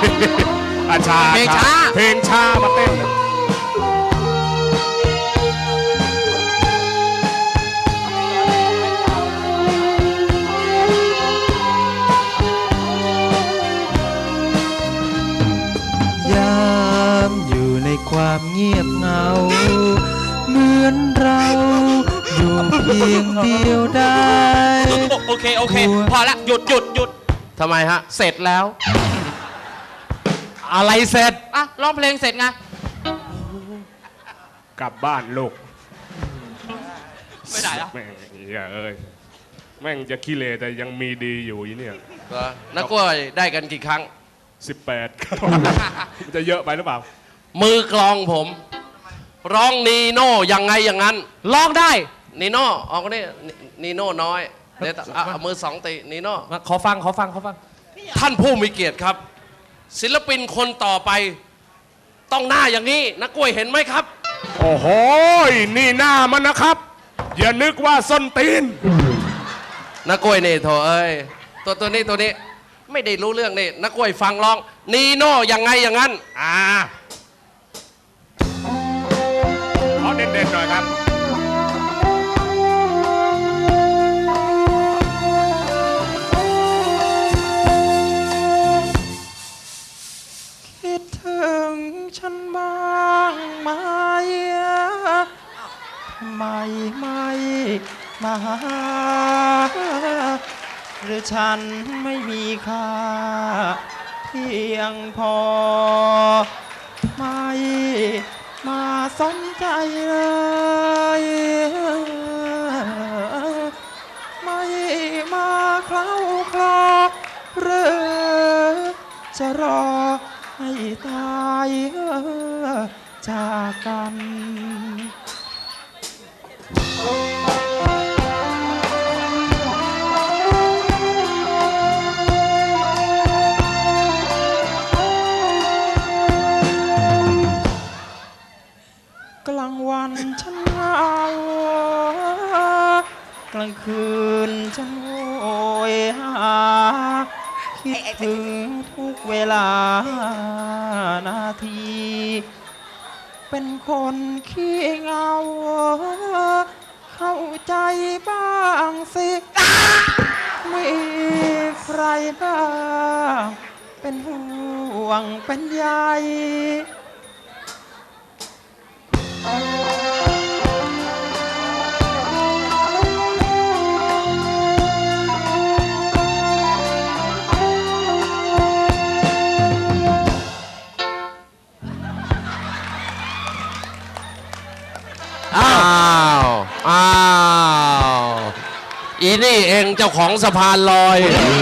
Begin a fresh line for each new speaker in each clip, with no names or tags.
อาชาเพลงช้าเพลงช้ามาเต้น
ยามอยู่ในความเงียบเหงาเหมือนเราอยู่เพียงเดียวได้
โอเคพอละหยุดทำไมฮะเสร็จแล้ว
อะไรเสร็จ
อ่ะร้องเพลงเสร็จไง
กลับบ้านลูก
ไม่ได้อะ
แม่งเอ้ยแม่งจะขี้เลแต่ยังมีดีอยู่อีเนี่ย
นักกล้วยได้กันกี่ครั้ง
18ครับมันจะเยอะไปหรือเปล่า
มือกลองผมร้องนีโน่ยังไงอย่างนั้นร้องได้นีโน่ออกนี่นีโน่น้อยเดี๋ยวเอามือสองตีนีโน่
ขอฟัง
ท่านผู้มีเกียรติครับศิลปินคนต่อไปต้องหน้าอย่างนี้นักกล้วยเห็นไหมครับ
โอ้โหนี่หน้ามันนะครับอย่านึกว่าส้นตีน
นักกล้วยนี่โถเอ้ยตัวนี้ไม่ได้รู้เรื่องนี่นักกล้วยฟังร้องนีโน่ยังไงอย่างนั้น
ขอเด่นๆหน่อยครับ
คิดถึงฉันบ้างไหมทำไมไม่มาหาหรือฉันไม่มีค่าเพียงพอไม่มาสนใจเลยไม่มาเคล้าคลอหรือจะรอให้ตายจากกันกลางวันฉันเหงากลางคืนฉันโหยหาคิดถึงทุกเวลานาทีเป็นคนขี้เหงาเข้าใจบ้างสิมีใครบ้างเป็นห่วงเป็นใย
อีนี่เองเจ้าของสะพานลอย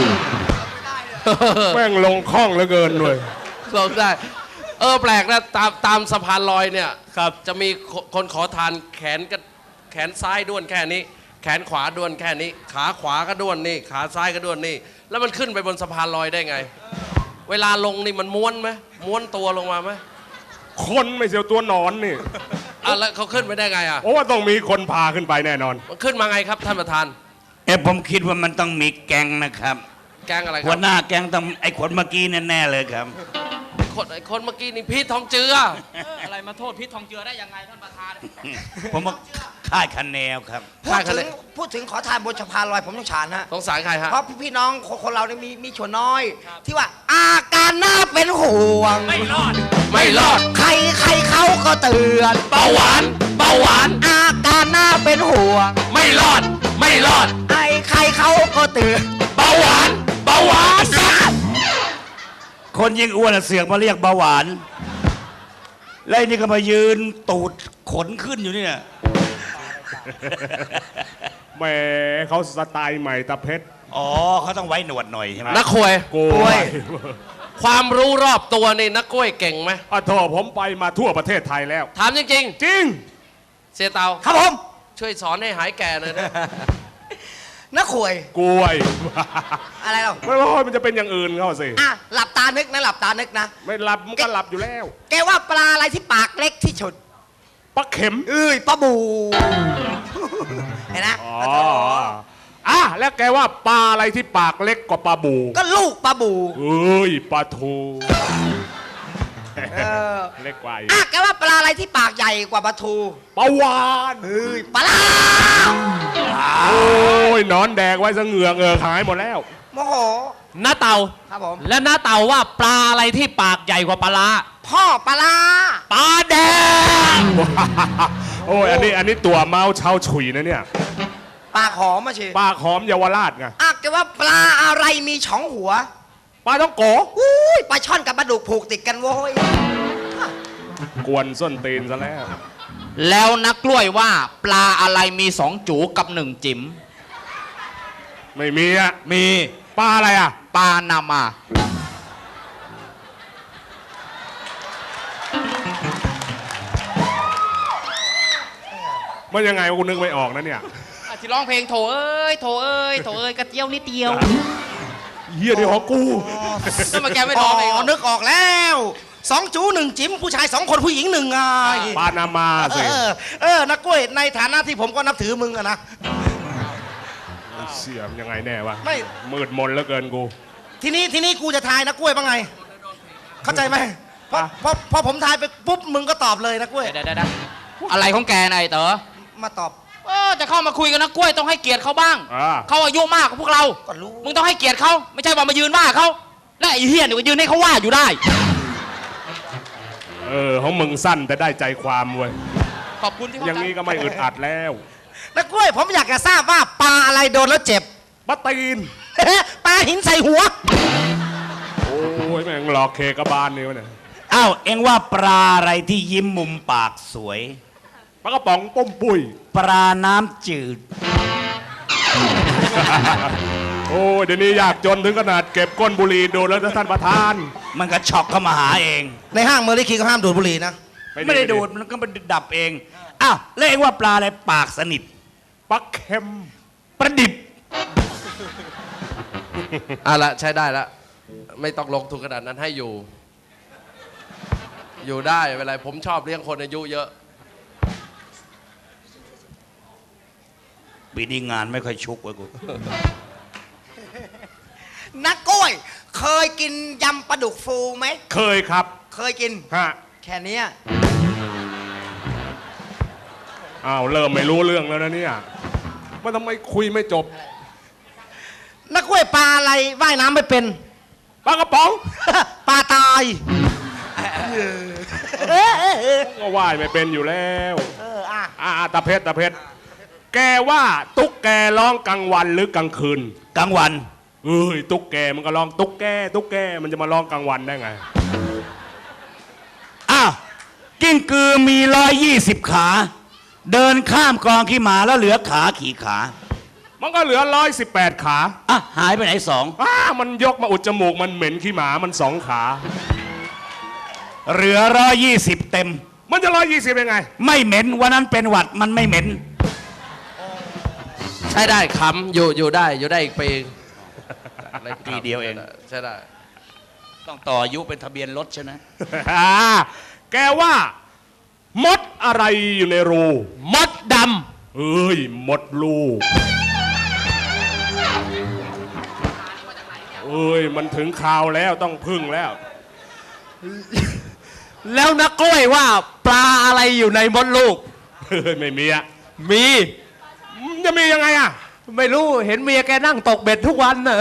แม่งลงคล่องเหลือเกินด้วย
ลงได้แปลกนะตามสะพานลอยเนี่ยครับจะมีคนขอทานแขนซ้ายด้วนแค่นี้แขนขวาด้วนแค่นี้ขาขวาก็ด้วนนี่ขาซ้ายก็ด้วนนี่แล้วมันขึ้นไปบนสะพานลอยได้ไงเวลาลงนี่มันม้วนไหมม้วนตัวลงมาไหม
คนไม่เสียวตัวนอนนี่
แล้วเขาขึ้นไปได้ไง
เพราะว่าต้องมีคนพาขึ้นไปแน่นอน
มันขึ้นมาไงครับท่านประธาน
ผมคิดว่ามันต้องมีแก๊งนะครับ
แก๊งอะไรครับ
หัวหน้าแก๊งต้องไอ้คนเมื่อกี้แน่ๆเลยครับ
คนเมื่อกี้นี่พีททองเจืออะไรมาโทษพีททองเจือได้ยังไงท่านประธาน
ผมว่าค่ายคะแนนครับ
พูดถึงขอทานบนสะพานลอยผมต้องฉานฮะ
สงสารใครฮะ
เพราะพี่น้องคนเราเนี่ยมีชนน้อยที่ว่าอาการน่าเป็นห่วง
ไม่รอด
ใครเขาก็เตือน
เบาหวาน
อาการน่าเป็นห่วง
ไม่รอด
ใครเขาก็เตือน
เบาหวาน
คนยิ่งอ้วนเสือกมาเรียกเบาหวานแล้วนี่ก็มายืนตูดขนขึ้นอยู่เนี่ย
แหมเขาสไตล์ใหม่ตะเพชร
เขาต้องไว้หนวดหน่อยใช่ไหม
นักควยความรู้รอบตัวนี่นักกล้วยเก่งไหม
โทษผมไปมาทั่วประเทศไทยแล้ว
ถามจริง
จริง
เสียเตา
ครับผม
ช่วยสอนให้หายแก่เลยนะ
นักขวย
กล้วย
อะไรหรอ
ไม่ร้อยมันจะเป็นอย่างอื่นเขาสิ
หลับตานึกนะ
ไม่หลับมันก็หลับอยู่แล้ว
แกว่าปลาอะไรที่ปากเล็กที่สุด
ปลาเข็ม
ปลาบูเห็นนะ
แล้วแกว่าปลาอะไรที่ปากเล็กกว่าปลาบู
ก็ลูกปลาบู
ปลาทู
เออ
เล็กกว่าอีก
แกว่าปลาอะไรที่ปากใหญ่กว่าปลาทู
ปลาวาน
เฮ้ยปลาลา
โอ้ยหนอนแดกไว้ซะเหงือกหายหมดแล้ว
โมโห
น้าเต่า
ครับผม
และน้าเต่าว่าปลาอะไรที่ปากใหญ่กว่าปลาร้า
พ่อปลาลา
ปลาแดง
โอ้ยอันนี้ตัวเมาเช่าฉุยนะเนี่ย
ปากหอมมาชิ
ปลาหอมเยาวราชไง
แกว่าปลาอะไรมีช่องหัว
ปลาต้องโก
อุ้ยปลาช่อนกับปลาดุกผูกติดกันโว้ย
กวนส้นตีนซะแล้ว
แล้วนักกล้วยว่าปลาอะไรมีสองจูกับหนึ่งจิ๋ม
ไม่มีอ่ะ
มี
ปลาอะไรอ่ะ
ปลานามา
มันยังไงวะกูนึกไม่ออกนะเนี่ย
ที่ร้องเพลงโถเอ้ยโถเอ้ยโถเอ้ยกระเจียวนิดเดียว
เฮียนี่ของกู
แล้วมาแกไม่ร้องเองเหรอ
นึกออกแล้วสองจูหนึ่งจิ๋มผู้ชาย2 คนผู้หญิง1ไง
ปลานามาสิ
นักกล้วยในฐานะที่ผมก็นับถือมึงอะนะ
เสียมยังไงแน่วะ
ไม่
มืดมนเหลือเกินกู
ทีนี้กูจะทายนักกล้วยบ้างไง เข้าใจไหมพอผมทายไปปุ๊บมึงก็ตอบเลยนักกล้วย
เดี๋ยวอะไรของแกนายเต๋อ
มาตอบ
จะเข้ามาคุยกับนักกล้วยต้องให้เกียรติเขาบ้าง
อ่า
เขาอายุมากกว่าพวกเรา
ก็รู้
มึงต้องให้เกียรติเขาไม่ใช่ว่ามายืนว่าเขาและไอ้เฮียนี่ก็ยืนให้เขาว่าอยู่ได้
ของมึงสั้นแต่ได้ใจความเว้ย
ขอบคุณที่เข้า
อย่าง
ใจ
นี้ก็ไม่อึดอัดแล้ว
นักกล้วยผมอยากจะทราบว่าปลาอะไรโดนแล้วเจ็บ
ปลาตีน
ปลาหินใส่หัว
โอ้ยแม่งหลอกเคกระบาลนี่วะเนี่ย
อ้าว เอ็งว่าปลาอะไรที่ยิ้มมุมปากสวย
ปลากระป๋องป้มปุ้ย
ปลาน้ำจืด
โอ้ยเดี๋ยวนี้อยากจนถึงขนาดเก็บก้นบุหรี่ดูดแล้วท่านประธาน
มันก็ช็อกเข้ามาหาเอง
ในห้างเมอร์ลิคีก็ห้ามดูดบุหรี่นะ
ไม่ได้ดูด มันก็มันดับเอง อ้าวแล้วเอ็งว่าปลาอะไรปากสนิท
ปลาเค็ม
ประดิบ
ละใช้ได้ละไม่ต้องลงทุนขนาดนั้นให้อยู่ อยู่ได้เวลาผมชอบเลี้ยงคนอายุเยอะ
ปีนี้งานไม่ค่อยชุกเว้ยกู
นักกล้วย เคยกินยำปลาดุกฟูไหม
เคยครับ
เคยกิน
ฮะ
แค่เนี้ย
อ้าวเริ่มไม่รู้เรื่องแล้วนะเนี่ยว่าทำไมคุยไม่จบ
นักกล้วยปลาอะไรว่ายน้ำไม่เป็น
ปลากระป๋อง
ปลาตาย
ก็ว่ายไม่เป็นอยู่แล้ว
อ่ะ
ตาเพชรแกว่าตุ๊กแกร้องกลางวันหรือกลางคืน
กลางวัน
เอ้ยตุ๊กแกมันก็ร้องตุ๊กแกมันจะมาร้องกลางวันได้ไง
อ้าว กิ้งกือมี120 ขา เดินข้ามกองขี้หมาแล้วเหลือขาขี่ขา
มันก็เหลือ118 ขา
อ่ะ หายไปไหนสอง
มันยกมาอุดจมูกมันเหม็นขี้หมามัน2 ขา
เหลือ120 เต็ม
มันจะ120ยังไง
ไม่เหม็นวันนั้นเป็นหวัดมันไม่เหม็น
ใช้ได้คำอยู่ได้อีกปี
ปีเดียวเอง
ใช่ได้
ต้องต่ออายุเป็นทะเบียนรถใช่ไหม
แกว่า มดอะไรอยู่ในรู
มดด
เอ้ยมดลูกเอ้ยมันถึงคราวแล้วต้องพึ่งแล้ว
ำแล้วนักกล้วยว่าปลาอะไรอยู่ในมดลูก
เฮ้ยไม่มีอะ
มี
จะมียังไงอะ
ไม่รู้เห็นเมียแกนั่งตกเบ็ดทุกวันน่ะ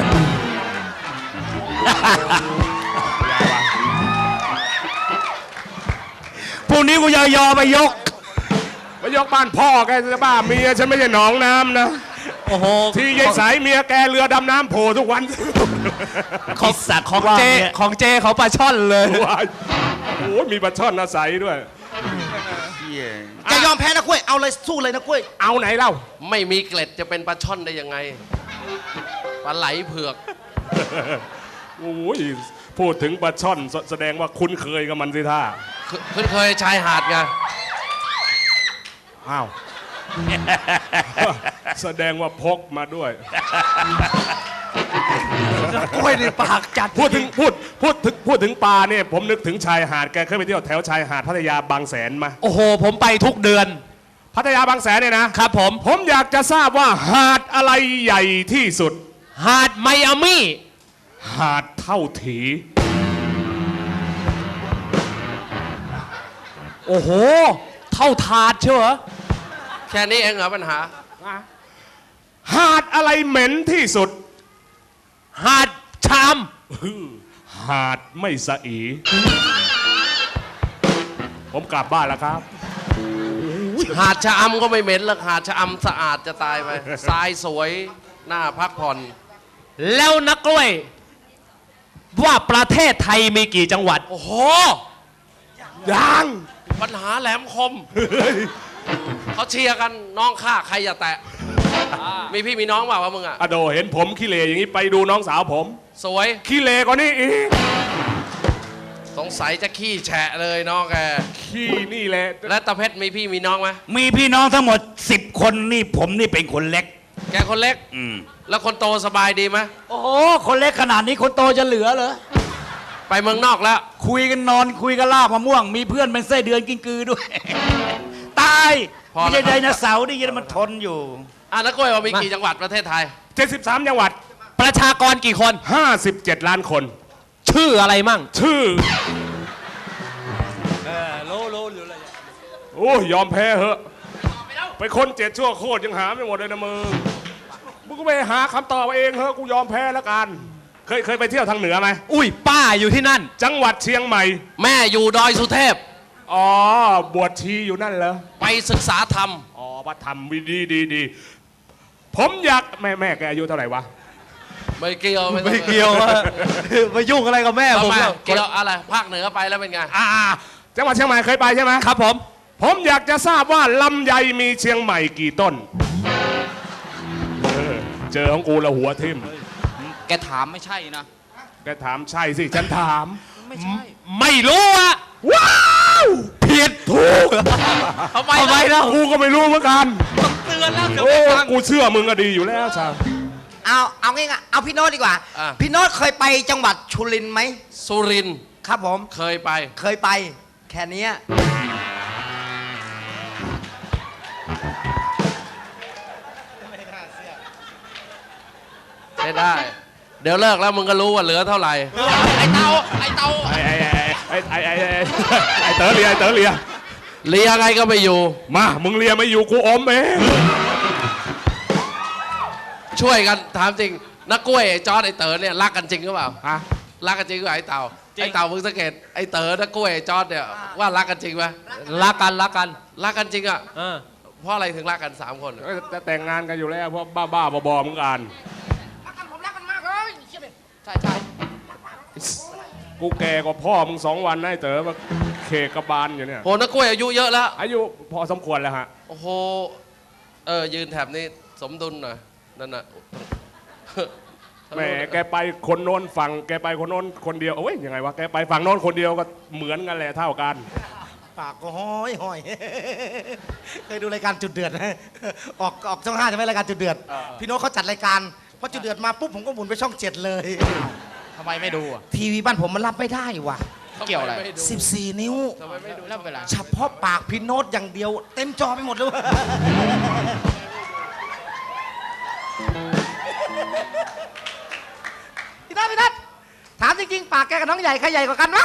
พรุ่งนี้กูจะยอไปยก
ไปยกบ้านพ่อแกจะบ้าเมียฉันไม่ใช่หนองน้ำนะ
โอ้โห
ที่ยายสายเมียแกเรือดำน้ำโผล่ทุกวัน
ของสัตว์ของเจ
ว่าเนี่ย
ของเจเขาปลาช่อนเลย
ว้ายโอ้ยมีปลาช่อนอาศัยด้วย
จะยอมแพ้นักกล้วย เอาเลยสู้เลยนักกล้วย
เอาไหนเล่า
ไม่มีเกล็ดจะเป็นปลาช่อนได้ยังไงปลาไหลเผือก
โอ้ยพูดถึงปลาช่อนแสดงว่าคุ้นเคยกับมันสิท่า
เคยชายหาดไง
อ้าว แสดงว่าพกมาด้วย
กล้วยในปากจัด
พูดถึงปลาเนี่ยผมนึกถึงชายหาดแกเคยไปเที่ยวแถวชายหาดพัทยาบางแสนมา
โอ้โห ผมไปทุกเดือน
พัทยาบางแสนเนี่ยนะครับ
ผม
อยากจะทราบว่าหาดอะไรใหญ่ที่สุด
หาดไมอามี่
หาดเท่าถี
โอ้โห เท่าถาดเชียวเหรอ
แค่นี้เองเหรอปัญหา
หาดอะไรเหม็นที่สุด
หาดชาม
หาดไม่สะอี ผมกลับบ้านแล้วครับ
หาดชะอำก็ไม่เหม็นหรอกหาดชะอำสะอาดจะตายไป ทรายสวยน่าพักผ่อน
แล้วนักกล้วย ว่าประเทศไทยมีกี่จังหวัด
โอ้โห
ยัง
ปัญหาแหลมคม เขาเชียร์กันน้องข้าใครอย่าแตะ มีพี่มีน้องเปล่าวะมึงอ่ะ
อโดเห็นผมขี้เลอย่างนี้ไปดูน้องสาวผม
สวย
ขี้เลกว่านี้อีก
สงสัยจะขี้แฉะเลยน้องแก
ขี้นี่แหละ
และตาเพชรมีพี่มีน้องไหม
มีพี่น้องทั้งหมด 10 คนนี่ผมนี่เป็นคนเล็ก
แกคนเล็ก แล้วคนโตสบายดีไหม
โอ้โห คนเล็กขนาดนี้คนโตจะเหลือเหรอ
ไปเมืองนอกแล้ว
คุยกันนอนคุยกันลาบมะม่วง มีเพื่อนเป็นไส้เดือนกินกือด้วย ตาย
พอ
ไม่
แล้ว
ใช่ไดโนเสาร์นี่ยังมันทนอยู่
อ่ะนักกล้วยว่ามีกี่จังหวัดประเทศไทย
73 จังหวัด
ประชากรกี่คน
57 ล้านคน
ชื่ออะไรมั่ง
ชื่อโอ้ยยอมแพ้เหอะไปคน7ชั่วโคตรยังหาไม่หมดเลยนะมึงก็ไปหาคำตอบเอาเองเหอะกูยอมแพ้แล้วกันเคยไปเที่ยวทางเหนือไหม
อุ้ยป้าอยู่ที่นั่น
จังหวัดเชียงใหม่
แม่อยู่ดอยสุเทพ
อ๋อบวชชีอยู่นั่นเหรอ
ไปศึกษาธรรม
อ๋อวัดธรรมดีผมอยากแม่แกอายุเท่าไหร่วะ
ไม่เกี่ยว
ไม่เกี่ยวอะ ไปยุ่งอะไรกับแม่
ทำ
ผม
ไม
อะ
เกี่ยวอะไรภาคเหนือไปแล้วเป็นไง
จังหวัดเชียงใหม่เคยไปใช่ไหม
ครับผม
ผมอยากจะทราบว่าลำไยมีเชียงใหม่กี่ต้นเจอของกูละหัวทิ่ม
แกถามไม่ใช่นะ
แกถามใช่สิฉันถาม
ไม่ใช่
ไม่รู้อะ
ว้าวผิดถูก
ทำไมแล้ว
กูก็ไม่รู้เหมือนกัน
เตือนแล้วเดี๋ยว
โอ้
ไม่ฟัง
กูเชื่อมึงก็ดีอยู่แล้วชา
เอาง่ายๆเอาพี่โน้ตดีกว่า
อ่ะ
พี่โน้ตเคยไปจังหวัดชุรินทร์ไหม
สุรินทร์
ครับผม
เคยไป
เคยไปแค่เนี้ย
ใช้ได้ เดี๋ยวเลิกแล้วมึงก็รู้ว่าเหลือเท่าไหร่
ไอ้เตาไอ้เตา
ไอเต๋อเลียไอเต๋อเลีย
เลียไงก็ไม่อยู่
มามึงเลียไม่อยู่กูอมเอง
ช่วยกันถามจริงนักกล้วยไอ้จอร์ดไอ้เต๋อเนี่ยรักกันจริงหรือเปล่า
ฮะ
รักกันจริงหรือเปล่าไอ้เต่าไอ้เต่ามึงสังเกตไอ้เต๋อนักกล้วยไอ้จอร์ดเนี่ยว่ารักกันจริงไหม
รักกันรักกัน
รักกันจริงอ่ะ
เออ
เพราะอะไรถึงรักกัน3 คน
จะแต่งงานกันอยู่แล้วเพราะบ้าๆบอๆมึงอ่าน
ผมรักมันมากเลยใช่ใช่
กูแก่กว่าพ่อมึง2 วันนะไอ้เต๋อมาเคกระบาลอยู่เนี่ย
โหนักกล้วยอายุเยอะแล้ว
อายุพอสมควรแล้วฮะ
โอ้โหยืนแถบนี้สมดุลหน่อยนั่นน่ะ
แหมแกไปคนโน้นฝั่งแกไปคนโน้นคนเดียวโอ้ยยังไงวะแกไปฝั่งโน้นคนเดียวก็เหมือนกันแหละเท่ากัน
ปากก็ห้อยห้อย เคยดูรายการจุดเดือดไหมออกช่อง 5ใช่ไหมรายการจุดเดือด พี่โน้ตเขาจัดรายการพอจุดเดือดมาปุ๊บผมก็หมุนไปช่อง 7 เลย
ทำไมไม่ดูอ่ะ
ทีวีบ้านผมมันรับไม่ได้ว่ะ
เกี่ยวอะไร
14 นิ้ว
ทำไมไม่ดู
แล้วเวลา
เฉพาะปากพี่โน้ตอย่างเดียว เต็มจอไปหมดเลย พี่นัทถามจริงๆ ปากแกกับน้องใหญ่ใครใหญ่กว่ากันวะ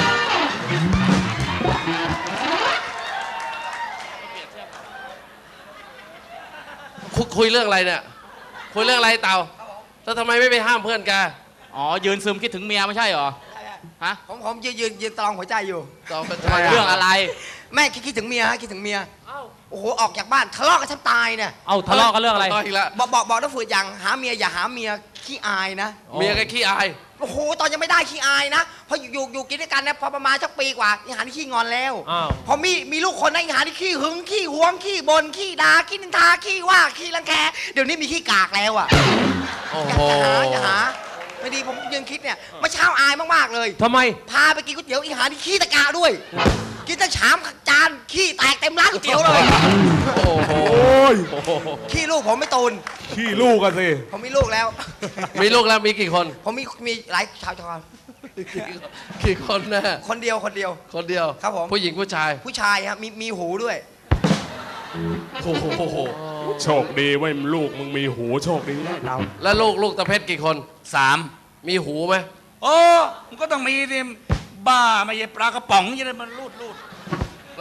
คุยเรื่องอะไรเนี่ยคุยเรื่องอะไรเต่าแล้วทำไมไม่ไปห้ามเพื่อนแก
อ๋อ ยืนซึมคิดถึงเมียไม่ใช่เหรอ ฮะ
ผมยืนตรองหัวใจอยู่
ต่อเป็น
เรื่องอะไร
แม่คิดถึงเมียฮะคิดถึงเมียโอ้โหออกจากบ้านทะเลาะกันแทบตายเนี่ย
เอาทะเลาะกันเรื่องอะไร
อีกแล้ว
บอกน้าฝืดอย่างหาเมียอย่าหาเมียขี้อายนะ
เมียแกขี้อาย
โอ้โหตอนยังไม่ได้ขี้อายนะพออยู่กินด้วยกันนะพอประมาณสักปีกว่าอีหานี่ขี้งอนแล้ว
อ้าว
พอมีลูกคนนะอีหานี่ขี้หึงขี้หวงขี้บนขี้ด่าขี้นินทาขี้ว่าขี้รังแคเดี๋ยวนี้มีขี้กากแล้วอ่ะ
โอ้
อ
โห
ย่าหาไม่ดีผมยืนคิดเนี่ยเมื่อเช้าอายมากๆเลย
ทำไม
พาไปกินก๋วยเตี๋ยวอีหานี่ขี้ตะกาด้วย กินตั้งชามจานขี้แตกเต็มร้านก๋วยเตี๋ยวเลย
โอ้โห
โอ้ย
ขี้ลูกผมไม่ตูน
ขี้ลูกกันสิ
ผมมีลูกแล้ว
มีลูกแล้วมีกี่คน
ผมมีหลายชาวชอน
กี่คนแน่
คนเดียว
คนเดียว
ครับผม
ผู้หญิงผู้ชาย
ผู้ชายครับมีหูด้วย
โอ้โห
โชคดีเว้ยลูกมึงมีหูโชคดีนะเรา
แล้วลูกตะเพชรกี่คน
3
มีหูไหม
โอ้มันก็ต้องมีสิบ้าไม่ใช่ปลากระป๋องจะได้มันรูด
แ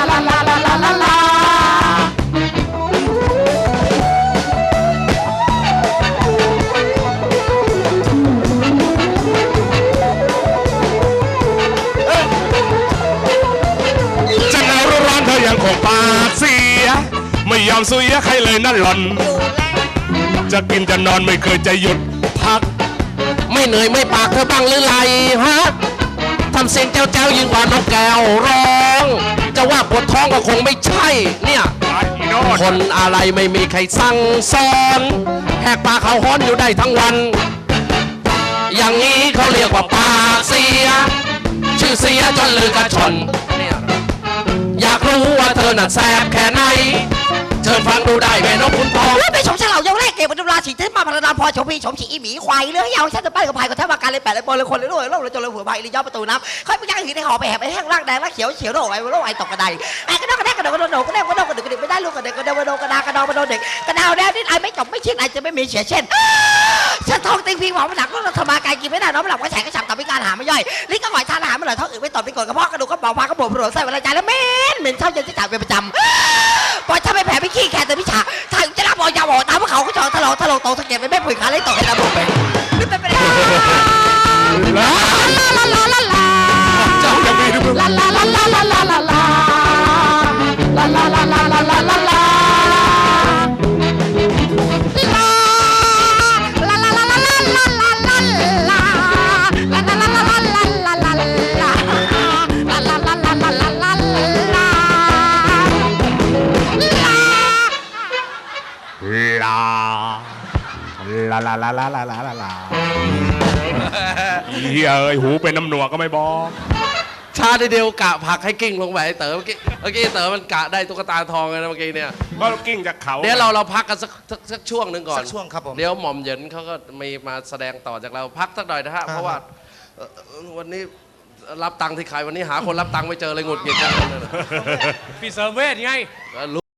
จะหนาวร้อนเธอยังคงปากเสีย ไม่ยอมสุยใครเลยนั่นหล่อน จะกินจะนอนไม่เคยจะหยุดพัก
ไม่เหนื่อยไม่ปากเธอบ้างหรือไรฮะทำเสียงแจ้วๆยิ่งกว่านกแก้วร้อง จะว่าปวดท้องก็คงไม่ใช่ เนี่ย
ไอ้อีโนด
คนอะไรไม่มีใครสั่งสอนแหกปากเขาฮ้อนอยู่ได้ทั้งวัน อย่างนี้เขาเรียกว่าปากเสีย ชื่อเสียจนลือกระชอนเนี่ยอยากรู้ว่าเธอน่ะแสบแค่ไหน เชิญฟังดูได้แม่นกคุณทอง
แล้วไปชมเฉลาเยาวแรกเก็บบรรดาสีเทพมาพรดาพอชมพีชมฉีอีหมีควายเลือยาวฉันจะไปกับพายกับแทบมาการเลยแปดเลยบอลเลยคนเลยด้วยโลกเลยจนเลยหัวใบเลยย่อประตูน้ำค่อยไปย่างหินในหอไปแหบไปแห้งร่างแดงร่างเขียวเฉียวโรคไอ้ตกกระไดไอ้กระดกกระแดกกระโดดกระโดดกระแดกกระโดดกระดึกไม่ได้ลูกกระเด็กกระโดดกระโดดกระดากระดองกระโดดเด็กกระดาวแดงนี่ไอ้ไม่จบไม่ชินไอ้จะไม่มีเสียเช่นฉันท้องติงพิงหอมหนักแล้วธรรมากายกินไม่ได้น้องหลับก็แฉกก็ฉับตับพิการหาไม่ย่อยลิ้นก็หอยทานอาหารไม่อร่อยท้องอืดไม่ตอบไม่กดกระเพาะกระดูกก็เบาพากระบอกผลใส่เวลาใจแล้วเหม็นเท่าเย็นที่จ่ายเป็นประจำปล่อยถ้าไม่แผลไม่ขี้แค่แต่พิชาถ้าจะรับบอกยาบอกตามพวกเขาก็จอทะเลาะโตสะเก็ดไม่แม่ปุ๋ยขาเลยต่อให้ตาบุกไปนี่เป็นไปได้
เจ้าจะมีหรือเปล่า
ล
ลาลาลาลาลาลาลาลาลาเฮียเอ้ยหูเป็นน้ำหนวกก็ไม่บอก
ชาทีเดียวกะผลักให้กิ้งลงไปไอ้เต๋อเมื่อกี้เต๋อมันกะได้ตุ๊กตาทองเลยนะเมื่อกี้เนี่ย
ก็กิ้งจากเขา
เดี๋ยวเราพักกันสักช่วงหนึ่งก่อน
สักช่วงครับผม
เดี๋ยวหม่อมเหยินเขาก็มีมาแสดงต่อจากเราพักสักหน่อยนะฮะเพราะว่าวันนี้รับตังค์ที่ใครวันนี้หาคนรับตังค์ไม่เจอเลยหงุดหงิดกันเลย
พี่เสริมเวทไง